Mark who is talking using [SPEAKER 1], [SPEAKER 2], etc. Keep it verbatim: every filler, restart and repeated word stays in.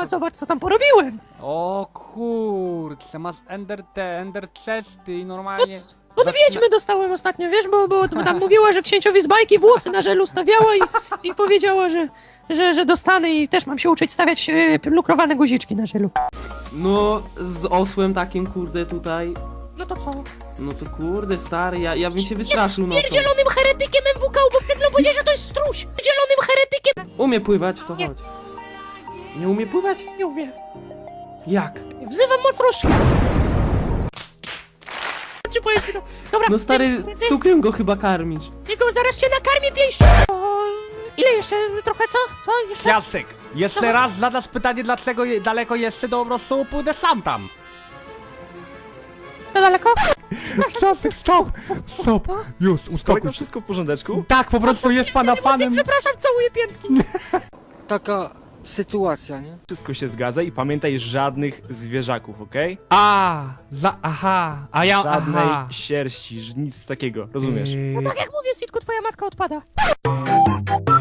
[SPEAKER 1] zobacz, zobacz, co tam porobiłem.
[SPEAKER 2] O kurczę, masz ender te, ender chesty i normalnie...
[SPEAKER 1] Od wiedźmy dostałem ostatnio, wiesz, bo, bo tam mówiła, że księciowi z bajki włosy na żelu stawiała i, i powiedziała, że, że, że dostanę i też mam się uczyć stawiać e, lukrowane guziczki na żelu.
[SPEAKER 3] No, z osłem takim, kurde, tutaj.
[SPEAKER 1] No to co?
[SPEAKER 3] No to kurde, stary, ja, ja bym się wystraszył nocą.
[SPEAKER 1] Jesteś pierdzielonym heretykiem M W K, bo przed chwilą powiedziałeś, że to jest struś! Pierdzielonym heretykiem!
[SPEAKER 3] Umie pływać, to
[SPEAKER 1] Nie.
[SPEAKER 3] chodź. Nie umie pływać?
[SPEAKER 1] Nie umiem.
[SPEAKER 3] Jak?
[SPEAKER 1] Wzywam moc różki. Czy powiem ci to? Dobra,
[SPEAKER 3] No stary,
[SPEAKER 1] ty, ty,
[SPEAKER 3] cukrem go chyba karmisz.
[SPEAKER 1] Tylko zaraz cię nakarmię pięścią! O, ile jeszcze? Trochę co? Co? Jeszcze?
[SPEAKER 2] Jacek, jeszcze raz zadasz pytanie, dlaczego je, daleko jeszcze, to po prostu pójdę sam tam.
[SPEAKER 1] To daleko?
[SPEAKER 2] Jacek, stop! Stop! Już,
[SPEAKER 4] Z
[SPEAKER 2] uspokój
[SPEAKER 4] kolego
[SPEAKER 2] się.
[SPEAKER 4] wszystko w porządeczku?
[SPEAKER 2] Tak, po prostu jest pana fanem.
[SPEAKER 1] Przepraszam, całuję piętki.
[SPEAKER 5] Taka sytuacja, nie?
[SPEAKER 4] Wszystko się zgadza i pamiętaj żadnych zwierzaków, okej?
[SPEAKER 2] A, za, aha, a ja,
[SPEAKER 4] Żadnej
[SPEAKER 2] aha.
[SPEAKER 4] sierści, ż- nic takiego, rozumiesz?
[SPEAKER 2] Yy,
[SPEAKER 1] Tak jak mówię, Sitku, twoja matka odpada.